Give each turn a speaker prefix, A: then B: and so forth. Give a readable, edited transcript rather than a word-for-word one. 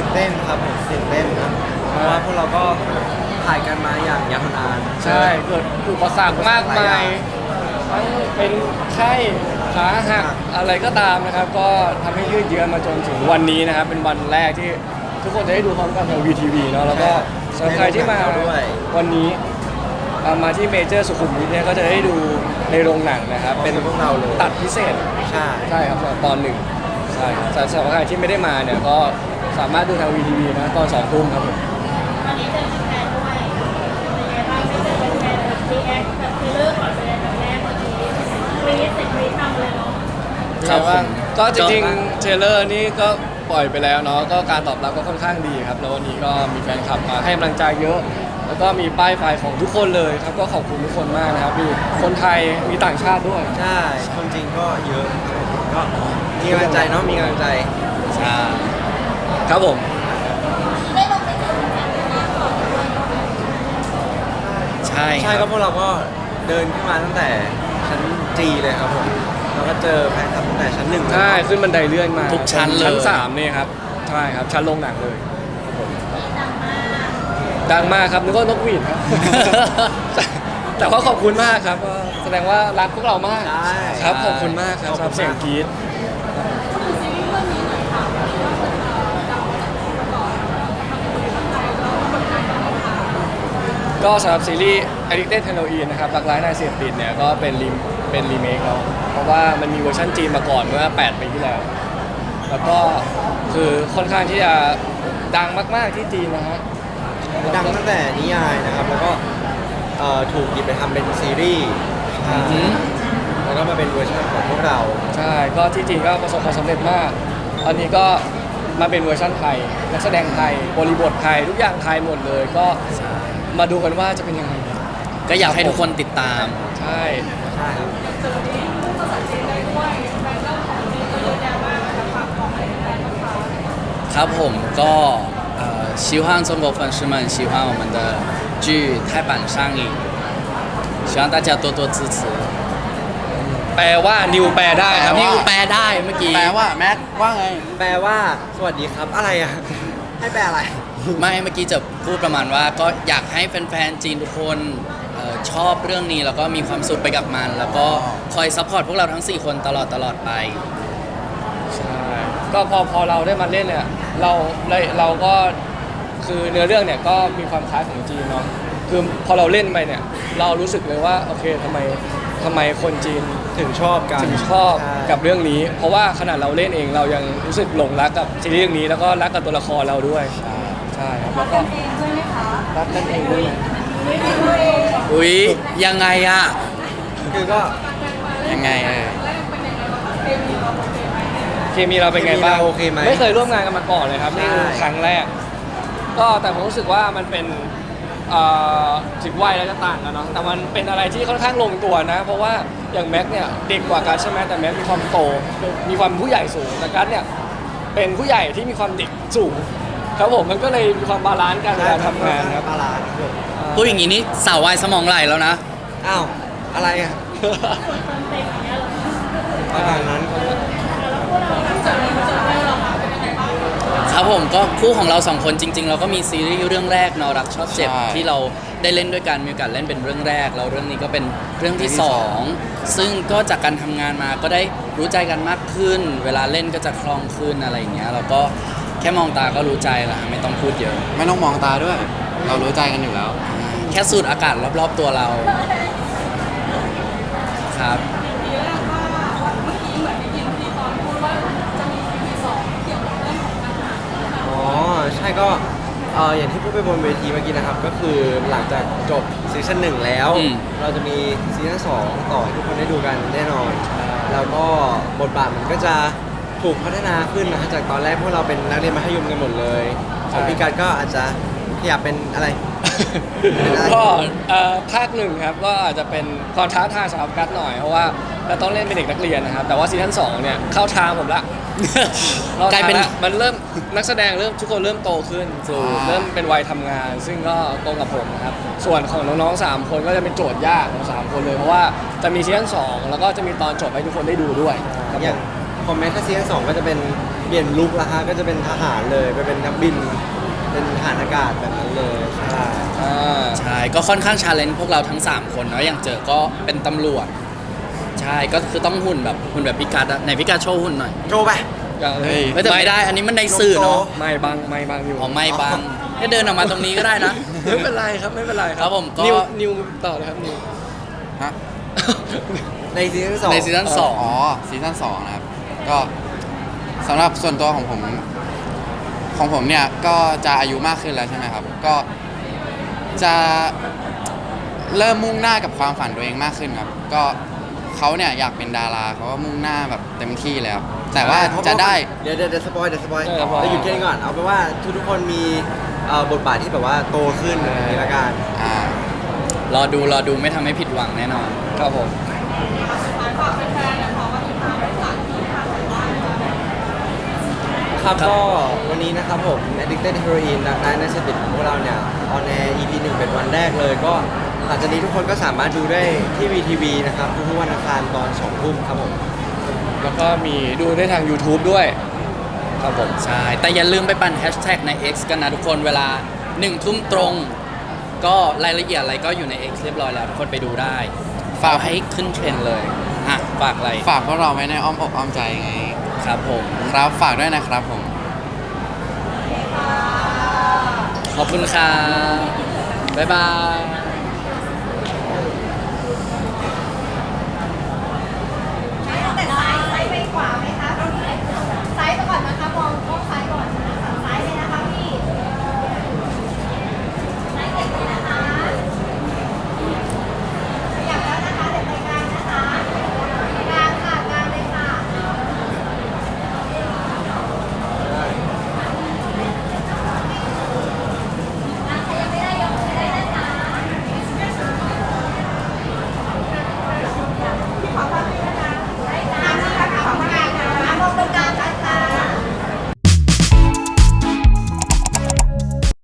A: เต้นครับผมตื่นเต้นนะเพราะว่าพวกเราก็ถ่ายกันมาอย่างยาวนาน
B: ใช่เกิดอุปสรรคมากมายทั้งเป็นไข้ขาหักอะไรก็ตามนะครับ ก็ทำให้ยืดเยื้อมาจนถึงวันนี้นะครับ เป็นวันแรกที่ทุกคนจะได้ดูพร้อมกันทาง VTV เนาะแล้วก็สำหรับใครที่มาวันนี้มาที่เมเจอร์สุขุมวิทเนี่ยก็จะได้ดูในโรงหนังนะครับ เป็น
A: พวกเราเลย
B: ตัดพิเศษ
A: ใช่
B: ใช่ครับสำหรับตอนหนึ่งใช่ครับสำหรับใครที่ไม่ได้มาเนี่ยก็สามารถดูทาง VTV นะตอน2 ทุ่มครับผม
C: ตอนนี้เจอแฟนๆด้วยเป็นไงบ้างไม่เจอแฟนๆแบบรีแอคแบบเทเลอร์ก่อนเลยแบบแรกเมื่อกี้กรี๊ดเสร็จกรี๊ดทำเลยเนาะ
B: ครับผมก็จริงๆเทรลเลอร์นี่ก็ปล่อยไปแล้วเนาะก็การตอบรับก็ค่อนข้างดีครับแล้ววันนี้ก็มีแฟนคลับมาให้กำลังใจเยอะ แล้วก็มีป้ายไฟของทุกคนเลยครับก็ขอบคุณทุกคนมากนะครับมีคนไทยมีต่างชาติด้วย
A: ใช่คนจริงก็เยอะก็มีกำลังใจเนาะมีกำลังใจ
B: ใช่ครับผม
C: ได้ลงไปเจอแฟนๆมาก่อนด้วย
D: ใช่
A: ใช่
D: ค
A: ก็
D: รับ
A: พวกเราก็เดินขึ้นมาตั้งแต่ชั้นจีเลยครับผมเราก็เจอแฟนคลับตั้งแต่ชั้น 1เลย
B: ใช่ขึ้นบันไดเลื่อนมา
D: ทุกชั้นเลย
B: ชั้น3เนี่ยครับใช่ครับชั้นลงหนังเลยครับผม
C: ดังมาก
B: ดังมากครับนึกว่านกหวีดครับ แต่ว่าขอบคุณมากครับก็แสดงว่ารักพวกเรามาก
A: ใช่
B: ครับขอบคุณมากครับสำหรับเสียงกรี๊ดก็สำหรับซีรีส์ Addicted Halloween นะครับรักร้ายนายเสพติดเนี่ยก็เป็นรีเมคแล้วเพราะว่ามันมีเวอร์ชันจีนมาก่อนเมื่อ8 ปีที่แล้ว แล้วก็คือค่อนข้างที่จะดังมากๆที่จีนนะฮะ
A: ดังตั้งแต่นิยายนะครับ แล้วก็ถูกหยิบไปทำเป็นซีรีส์แล้วก็มาเป็นเวอร์ชันของพวกเรา
B: ใช่ก็ที่จีนก็ประสบความสำเร็จมาก ตอนนี้ก็มาเป็นเวอร์ชันไทยนักแสดงไทยบริบทไทยทุกอย่างไทยหมดเลยก็มาดูกันว่าจะเป็นยังไง
D: ก็อยากให้ทุกคนติดตาม
B: ใช่
A: ใช่ครับ
D: ครับผมก็希望中国粉丝们喜欢我们的剧泰版上映，希望大家多多支持。
B: แปลว่านิวแปลได้ครับ
D: นี่แปลได้เมื่อกี้
E: แปลว่าแม็กว่าไง
A: แปลว่าสวัสดีครับอะไรอ่ะ ให้แปลอะไร
D: ไม่เมื่อกี้จะพูดประมาณว่าก็อยากให้แฟนๆจีนทุกคนชอบเรื่องนี้แล้วก็มีความสุขไปกับมัน แล้วก็คอยซัพพอร์ตพวกเราทั้ง 4 คนตลอดไป
B: ใช่ก็พอเราได้มาเล่นเนี่ยเราก็คือเนื้อเรื่องเนี่ยก็มีความคล้ายของจีนเนาะคือพอเราเล่นไปเนี่ยเรารู้สึกเลยว่าโอเคทำไมคนจีน
A: ถึงชอบกัน
B: ถึงชอบ
A: ใช่
B: กับเรื่องนี้ เพราะว่าขนาดเราเล่นเองเรายังรู้สึกหลงรักกับซีรีส์เรื่องนี้แล้วก็รักกับตัวละครเราด้วยใช่ครับแล้วก็
C: เองด้วยไหมคะ
B: รักกันเองด้วย
C: ไม่ได้ด้วยเอง
D: ๆ อุ๊ย ยังไงอะ
A: คือก็
D: ยังไง
B: เคมีเราเป็นไงบ้าง
A: โอเคไหม
B: ไม่เคยร่วมงานกันมาก่อนเลยครับนี่คือ
A: ใช่
B: ครั้งแรก ก็แต่ผมรู้สึกว่ามันเป็นถึงวัยแล้วจะต่างกันเนาะแต่มันเป็นอะไรที่ค่อนข้างลงตัวนะ เพราะว่าอย่างแม็กเนี่ยเด็กกว่ากัสใช่ไหมแต่แม็กมีความโตมีความผู้ใหญ่สูงแต่กัสเนี่ยเป็นผู้ใหญ่ที่มีความเด็กสูงครับผมมันก็เลยมีความบาลานซ์กันเวลาทำงานครับ
A: ปลาลานครับผม
D: พูดอย่างนี้นี่สาววายสมองไหลแล้วนะ
A: อ้าวอะไรอ่ะ
C: เติมเต็มอย่างเงี้ยเหรอ
A: ประมาณนั้น
C: แล้วพวกเราเจอเรามาเป็นยังไงบ้าง
D: ครับผมก็คู่ของเรา 2 คนจริง ๆ เราก็มีซีรีส์เรื่องแรกเนาะรักชอบเจ็บ
E: ใช่
D: ที่เราได้เล่นด้วยกันมีโอกาสเล่นเป็นเรื่องแรกแล้วเรื่องนี้ก็เป็นเรื่องที่ 2 ซึ่งก็จากการทำงานมาก็ได้รู้ใจกันมากขึ้น เวลาเล่นก็จะคล่องขึ้นอะไรอย่างเงี้ยเราก็แค่มองตาก็รู้ใจละไม่ต้องพูดเยอะ
E: ไม่ต้องมองตาด้วย เรารู้ใจกันอยู่แล้ว
D: แค่สูดอากาศรอบๆตัวเราครับ
A: อ๋อใช่ก็อย่างที่พูดไปบนเวทีเมื่อกี้นะครับ ก็คือหลังจากจบซีซั่น1แล้ว
D: อืม
A: เราจะมีซีซั่น2ต่อให้ทุกคนได้ดูกันแน่นอน แล้วก็บทบาทมันก็จะถูกพัฒนาขึ้นนะจากตอนแรกพวกเราเป็นนักเรียนมัธยมกันหมดเลยของพี่การก็อาจจะขยับเป็นอะไร
B: ก็ภาคหนึ่งครับก็อาจจะเป็นความท้าทายสำหรับกัสหน่อยเพราะว่าเราต้องเล่นเป็นเด็กนักเรียนนะครับแต่ว่าซีซั่น2เนี่ยเข้าทางผมละ
D: กลายเป็น
B: มันเริ่มนักแสดงทุกคนเริ่มโตขึ้นเริ่มเป็นวัยทำงาน ซึ่งก็ตรงกับผมนะครับส่วนของน้องๆ3 คนก็จะเป็นโจทย์ยากของ3 คนเลยเพราะว่าจะมีซีซั่น2แล้วก็จะมีตอนจบให้ทุกคนได้ดูด้วยครับ
A: อย่างคอมเมนต์ถ้าซีซั่น2ก็จะเป็นเปลี่ยนลุคละฮะก็จะเป็นทหารเลยไปเป็นนักบิน เป็นทหารอากาศแบบนั้นเลยใช่
D: ใช่ก็ค่อนข้างชาเลนจ์พวกเราทั้ง 3 คนเนาะอย่างเจอก็เป็นตำรวจ ใช่ก็คือต้องหุ่นแบบพิกัดอะไหนพิกัดโชว์หุ่นหน่อย
A: โชว์ไป
B: เฮ้ย
D: ไม่แต่ไม่ได้อันนี้มันในสื่อเนาะ
B: ไม่บังอยู่
D: อ๋อไม่บังให้เดินออกมาตรงนี้ก็ได้นะ
B: ไม่เป็นไรครับไม่เป็นไร
D: ครับผมก็
B: นิวต่อเลยครับนิว
E: ฮะ
A: ในซีซั่นสอง
D: ในซีซั่นสอง
E: อ๋อซีซั่น2นะครับ ก็สำหรับส่วนตัวของผมเนี่ยก็จะอายุมากขึ้นแล้วใช่ไหมครับ ก็จะเริ่มมุ่งหน้ากับความฝันตัวเองมากขึ้นครับ ก็เขาเนี่ยอยากเป็นดาราเขาก็มุ่งหน้าแบบเต็มที่แล้ว แต่ว่าจะได้
A: เดี๋ยวสปอยเดี๋ยวสปอย
B: เออสปอย
A: เราหยุดแค่นี้ก่อนเอาเป็นว่าทุกคนมีบทบาทที่แบบว่าโตขึ้นอย่างนี้ละกัน
E: อ่า
D: รอดูไม่ทำให้ผิดหวังแน่นอน
B: ครับผม
A: ครับก็วันนี้นะครับผม Addicted Heroin นักร้ายนักเสพติดของพวกเราเนี่ยออนแอร์ EP 1เป็นวันแรกเลย ก็หลังจากนี้ทุกคนก็สามารถดูได้ที่ VTV นะครับทุกๆวันอังคารตอน2 ทุ่มครับผม
B: แล้วก็มีดูได้ทาง YouTube ด้วยครับผม
D: ใช่ แต่อย่าลืมไปปั่นแฮชแท็กใน X กันนะทุกคนเวลา1 ทุ่มตรง ก็รายละเอียดอะไรก็อยู่ใน X เรียบร้อยแล้ว ทุกคนไปดูได้ ฝากให้ขึ้นเทรนด์เลยอ่ะฝากอะไร
E: ฝากพวกเราไว้ในอ้อมอกอ้อมใจไง
D: ครับผม
E: ครับฝากด้วยนะครับผม
D: ขอบคุณครับบ๊ายบาย